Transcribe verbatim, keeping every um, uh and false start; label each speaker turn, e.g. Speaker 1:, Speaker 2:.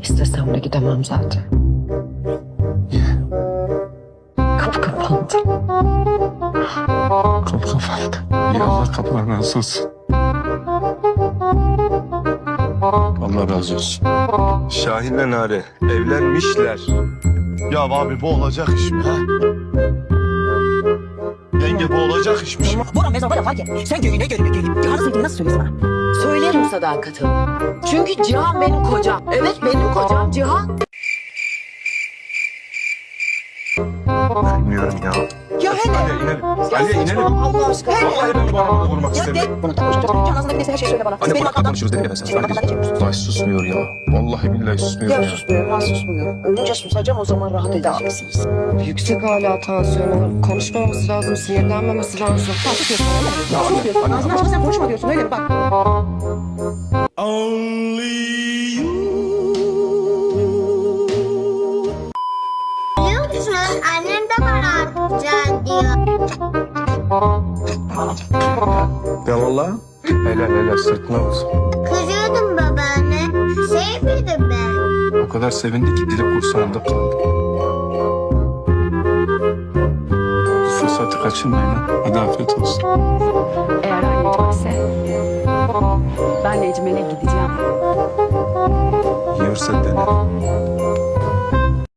Speaker 1: İstesem de gidemem zaten. Kapı kapandı.
Speaker 2: Kapı kapandı. Ya Allah kapılarını razı olsun. Allah razı olsun.
Speaker 3: Şahin'le Nare evlenmişler.
Speaker 2: Ya abi bu olacak iş mi ha? Yenge bu olacak işmiş.
Speaker 4: Bora mezar var fark et. Sen köyüne köyüne köyüne. Cihan'ı sevdiğini nasıl söylüyorsun bana?
Speaker 1: Söylerim sadakatimi. Çünkü Cihan benim kocam. Evet benim kocam Cihan.
Speaker 3: Bilmiyorum ya.
Speaker 4: Ya hele.
Speaker 3: Hadi inelim. Hadi inelim.
Speaker 4: Allah aşkına.
Speaker 3: Vallahi ben bu adamı vurmak
Speaker 4: Ya
Speaker 3: istemiyorum.
Speaker 4: de. Bunu da konuşacağım. Cihan ağzında neyse her şeyi söyle bana.
Speaker 3: Anne
Speaker 4: Benim
Speaker 3: bırak da
Speaker 4: arkamdan-
Speaker 3: konuşuruz dedi ya sen.
Speaker 4: Benim arkamdan ne çekiyorsun?
Speaker 3: Ay susmuyor ya. Vallahi billahi susmuyor
Speaker 4: Ya
Speaker 3: ya.
Speaker 4: susmuyor, ben susmuyor. Önce susacağım o zaman rahat edeceksiniz.
Speaker 1: Yüksek hala tansiyonu. Konuşmaması lazım, sinirlenmemesi lazım.
Speaker 4: Sen susuyorsun öyle mi?
Speaker 3: Ya
Speaker 4: Ya
Speaker 3: anne,
Speaker 4: susuyorsun.
Speaker 3: anne,
Speaker 4: Ağzını açma sen konuşma diyorsun öyle mi? Bak.
Speaker 5: Biliyor musun? Annem de bana atacağım diyor.
Speaker 3: Ya vallahi. Helal helal sırtına olsun.
Speaker 5: Kızıyordum babaanne. Sevmedim ben.
Speaker 3: O kadar sevindi ki dili kursağında kaldı. Fırsatı kaçırmayın ha. Hadi afiyet olsun.
Speaker 6: Eğer aynı gitmezse ben de Ecmel'e gideceğim.
Speaker 3: Yiyorsa dene.